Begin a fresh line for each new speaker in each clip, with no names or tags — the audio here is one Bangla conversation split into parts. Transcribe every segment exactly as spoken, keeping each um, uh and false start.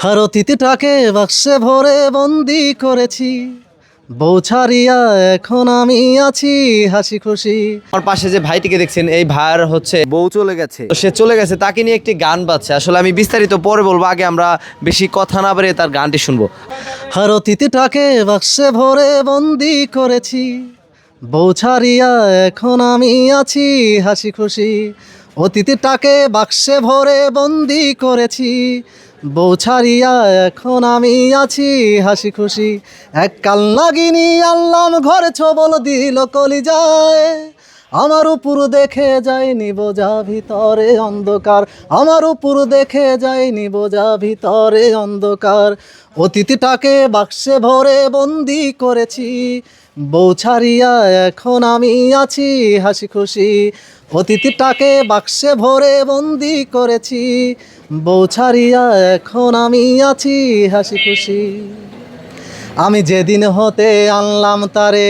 আর অতীতটাকে বাক্সে ভরে বন্দি করেছি, বউ ছাড়িয়া এখন আমি আছি হাসি খুশি।
আমার পাশে যে ভাইটিকে দেখছেন, এই ভাইয়ের হচ্ছে বউ চলে গেছে, তো সে চলে গেছে, তাকে নিয়ে একটি গান বাজছে। আসলে আমি বিস্তারিত পরে বলবো, আগে আমরা বেশি কথা না বাড়িয়ে তার গানটি শুনবো।
আর অতীতটাকে বাক্সে ভরে বন্দি করেছি, বউ ছাড়িয়া এখন আমি আছি হাসি খুশি। অতীতটাকে বাক্সে ভরে বন্দি করেছি, বউ ছাড়িয়া এখন আমি আছি হাসি খুশি। এক কাল নাগিনী আনলাম ঘরে ছবল দিল কলিজায়, আমার উপর দেখে যায়নি বোঝা ভিতরে অন্ধকার, আমার উপর দেখে যায়নি বোঝা ভিতরে অন্ধকার। অতীতটাকে বাক্সে ভরে বন্দি করেছি, বউ ছাড়িয়া এখন আমি আছি হাসি খুশি। অতীতটাকে বাক্সে ভরে বন্দি করেছি, বউ ছাড়িয়া এখন আমি আছি হাসি খুশি। আমি যেদিন হতে আনলাম তারে,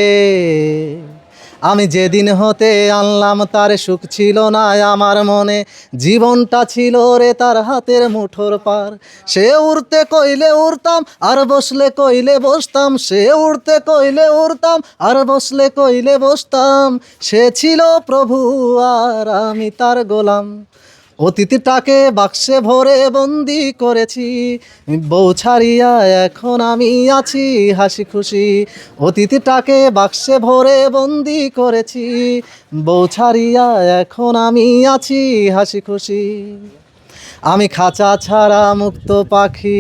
আমি যেদিন হতে আনলাম তারে, সুখ ছিল না আমার মনে, জীবনটা ছিল রে তার হাতের মুঠোর পার। সে উড়তে কইলে উড়তাম, আর বসলে কইলে বসতাম, সে উড়তে কইলে উড়তাম, আর বসলে কইলে বসতাম। সে ছিল প্রভু আর আমি তার গোলাম। অতীতটাকে বাক্সে ভরে বন্দি করেছি, বউ ছাড়িয়া এখন আমি আছি হাসি খুশি। অতীতটাকে বাক্সে ভরে বন্দি করেছি, বউ ছাড়িয়া এখন আমি আছি হাসি খুশি। আমি খাঁচা ছাড়া মুক্ত পাখি,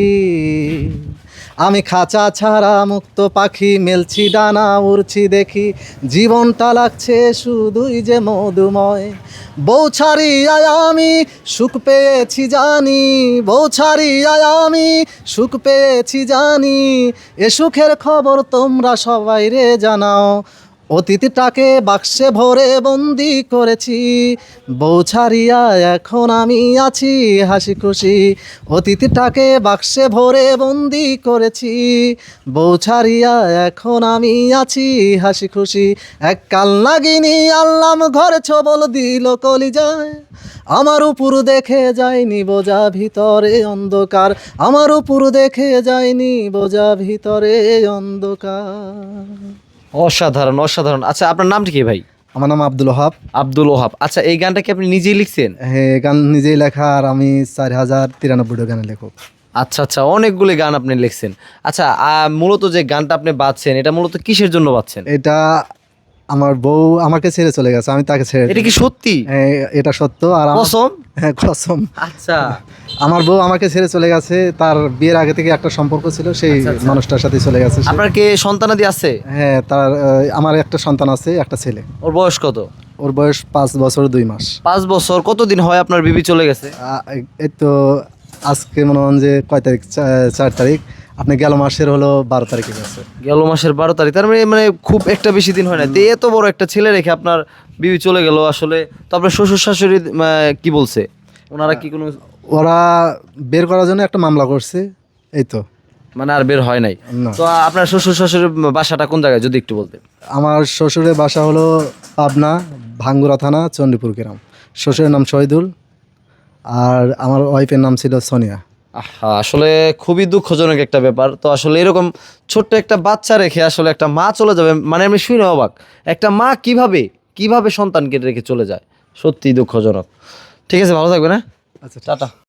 আমি খাঁচা ছাড়া মুক্ত পাখি, মেলছি ডানা উড়ছি দেখি, জীবনটা লাগছে শুধুই যে মধুময়। বউ ছাড়িয়া আমি সুখ পেয়েছি জানি, বউ ছাড়িয়া আমি সুখ পেয়েছি জানি, এ সুখের খবর তোমরা সবাই রে জানাও। অতীতটাকে বাক্সে ভরে বন্দি করেছি, বউ ছাড়িয়া এখন আমি আছি হাসি খুশি। অতীতটাকে বাক্সে ভরে বন্দি করেছি, বউ ছাড়িয়া এখন আমি আছি হাসি খুশি। এক কাল নাগিনী আনলাম ঘরে ছবল দিল কলিজায়, আমার উপর দেখে যায়নি বোঝা ভিতরে অন্ধকার, আমার উপর দেখে যায়নি বোঝা ভিতরে অন্ধকার।
অসাধারণ অসাধারণ। আচ্ছা, আপনার নামটি কি ভাই?
আমার নাম আব্দুল ওহাব।
আব্দুল ওহাব। আচ্ছা, এই গানটা কি আপনি নিজেই লিখছেন?
হ্যাঁ, গান নিজেই লেখা, আর আমি চার হাজার তিরানব্বইটা গানের লেখক।
আচ্ছা আচ্ছা, অনেকগুলি গান আপনি লিখছেন। আচ্ছা, আহ, মূলত যে গানটা আপনি বাজছেন, এটা মূলত কিসের জন্য বাজছেন?
এটা আমার বউ আমাকে ছেড়ে চলে গেছে, আমি তাকে ছেড়ে।
এটা কি সত্যি?
হ্যাঁ, এটা সত্য। আর আমার-
কসম?
হ্যাঁ, কসম।
আচ্ছা
আমার বউ আমাকে ছেড়ে চলে গেছে, তার বিয়ের আগে থেকে একটা সম্পর্ক ছিল, সেই
আচ্ছা, আচ্ছা।
মানুষটার সাথে চলে গেছে সে।
আপনার কি সন্তানাদি আছে?
হ্যাঁ, তার আহ, আমার একটা সন্তান আছে, একটা ছেলে।
ওর বয়স কত?
ওর বয়স পাঁচ বছর দুই মাস।
পাঁচ বছর। কতদিন হয় আপনার বিবি চলে গেছে?
আহ, এই তো আজকে মনে হন যে কয় তারিখ, চা- চার তারিখ। আপনি গেল মাসের হলো বারো তারিখে গেছে।
গেল মাসের বারো তারিখ, তার মানে মানে খুব একটা বেশি দিন হয় না। তো এত বড় একটা ছেলে রেখে আপনার বিবি চলে গেল, আসলে তো আপনার শ্বশুর শাশুড়ি আহ, কি বলছে? ওনারা কি কোনো
ওরা বের করার জন্য একটা মামলা করছে, এই তো।
মানে আর বের হয় নাই?
না।
তো আপনার শ্বশুর শাশুড়ির বাসাটা কোন জায়গায়, যদি একটু বলতেন?
আমার শ্বশুরের বাসা হলো পাবনা, ভাঙ্গুরা থানা, চণ্ডীপুর গ্রাম। শ্বশুরের নাম শহীদুল, আর আমার ওয়াইফের নাম ছিল সোনিয়া।
আহা, আসলে খুবই দুঃখজনক একটা ব্যাপার। তো আসলে এরকম ছোট্ট একটা বাচ্চা রেখে আসলে একটা মা চলে যাবে, মানে আমি শুনে অবাক। একটা মা কিভাবে কিভাবে সন্তানকে রেখে চলে যায়, সত্যি দুঃখজনক। ঠিক আছে, ভালো থাকবে না?
আচ্ছা,
টাটা।